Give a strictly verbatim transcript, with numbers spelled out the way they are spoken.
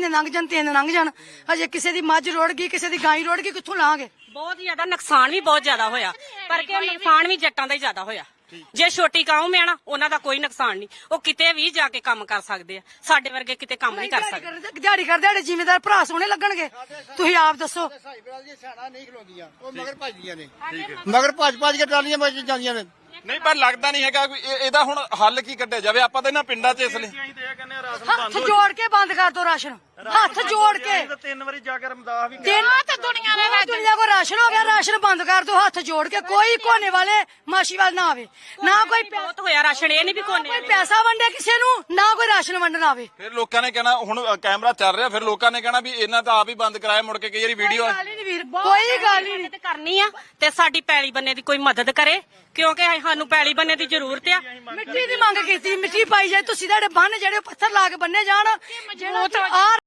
ਮਹੀਨੇ ਲੰਘ ਜਾਣ, ਤਿੰਨ ਲੰਘ ਜਾਣ, ਹਜੇ ਕਿਸੇ ਦੀ ਮੱਝ ਰੁੜ ਗਈ, ਕਿਸੇ ਦੀ ਗਾਂ ਰੁੜ ਗਈ, ਕਿੱਥੋਂ ਲਾਂਗੇ? ਬਹੁਤ ਜ਼ਿਆਦਾ ਨੁਕਸਾਨ ਵੀ ਬਹੁਤ ਜ਼ਿਆਦਾ ਹੋਇਆ, ਪਰ ਕਿ ਨੁਕਸਾਨ ਵੀ ਜੱਟਾਂ ਦਾ ਹੀ ਜ਼ਿਆਦਾ ਹੋਇਆ। ਜੇ ਛੋਟੀ ਕੌਮ ਹੈ ਨਾ, ਉਹਨਾਂ ਦਾ ਕੋਈ ਨੁਕਸਾਨ ਨਹੀਂ, ਉਹ ਕਿਤੇ ਵੀ ਜਾ ਕੇ ਕੰਮ ਕਰ ਸਕਦੇ ਆ, ਸਾਡੇ ਵਰਗੇ ਕਿਤੇ ਕੰਮ ਨਹੀਂ ਕਰ ਸਕਦੇ। ਦਿਹਾੜੀ ਕਰਦੇ ਸਾਡੇ ਜ਼ਿਮੀਂਦਾਰ ਭਰਾ ਸੋਹਣੇ ਲੱਗਣਗੇ, ਤੁਸੀਂ ਆਪ ਦੱਸੋ। ਨਹੀਂ ਖਲੋਂਦੀਆਂ, ਉਹ ਮਗਰ ਭੱਜਦੀਆਂ ਨੇ, ਮਗਰ ਭੱਜ ਭੱਜ ਕੇ ਟਰਾਲੀਆਂ ਵੱਜ ਜਾਂਦੀਆਂ ਨੇ। ਨਹੀਂ ਪਰ ਲੱਗਦਾ ਨਹੀਂ ਹੈਗਾ ਕੋਈ ਇਹਦਾ ਹੁਣ ਹੱਲ ਕੀ ਕੱਢਿਆ ਜਾਵੇ। ਆਪਾਂ ਤਾਂ ਇਹਨਾਂ ਪਿੰਡਾਂ 'ਚ ਇਸ ਲਈ ਹੱਥ ਜੋੜ ਕੇ ਬੰਦ ਕਰ ਦੋ ਰਾਸ਼ਨ, ਹੱਥ ਜੋੜ ਕੇ। ਤਿੰਨ ਵਾਰੀ ਜਾ ਕੇ ਰਮਦਾਸ ਵੀ ਦਿਨ ਤੇ ਦੁਨੀਆ ਦੇ ਵਿੱਚ ਦੁਨੀਆ ਕੋ ਰਾਸ਼ਨ ਹੋ ਗਿਆ, ਰਾਸ਼ਨ ਬੰਦ ਕਰ ਦੋ ਹੱਥ ਜੋੜ ਕੇ। ਕੋਈ ਕੋਨੇ ਵਾਲੇ ਮਾਸ਼ੀਵਾਲ ਨਾ ਆਵੇ, ਨਾ ਕੋਈ ਬਹੁਤ ਹੋਇਆ ਰਾਸ਼ਨ, ਇਹ ਨਹੀਂ ਵੀ ਕੋਨੇ ਕੋਈ ਪੈਸਾ ਵੰਡੇ ਕਿਸੇ ਨੂੰ, ਨਾ ਕੋਈ ਰਾਸ਼ਨ ਵੰਡਣ ਆਵੇ। ਫਿਰ ਲੋਕਾਂ ਨੇ ਕਹਿਣਾ, ਹੁਣ ਕੈਮਰਾ ਚੱਲ ਰਿਹਾ, ਫਿਰ ਲੋਕਾਂ ਨੇ ਕਹਿਣਾ ਵੀ ਇਹਨਾਂ ਤਾਂ ਆਪ ਹੀ ਬੰਦ ਕਰਾਇਆ, ਮੁੜ ਕੇ ਕਈ ਵਾਰੀ ਵੀਡੀਓ ਗੱਲ ਹੀ ਨਹੀਂ ਵੀਰ, ਕੋਈ ਗੱਲ ਹੀ ਨਹੀਂ। ਤੇ ਕਰਨੀ ਆ ਤੇ ਸਾਡੀ ਪੈਲੀ ਬੰਨੇ ਦੀ ਕੋਈ ਮਦਦ ਕਰੇ, ਕਿਉਂਕਿ ਸਾਨੂੰ ਪੈਲੀ ਬੰਨੇ ਦੀ ਜ਼ਰੂਰਤ ਆ। ਮਿੱਟੀ ਦੀ ਮੰਗ ਕੀਤੀ, ਮਿੱਟੀ ਪਾਈ ਜਾਏ, ਤੁਸੀਂ ਤੁਹਾਡੇ ਬੰਨ ਜਿਹੜੇ ਪੱਥਰ ਲਾ ਕੇ ਬੰਨੇ ਜਾਣ, ਜਿਹੜਾ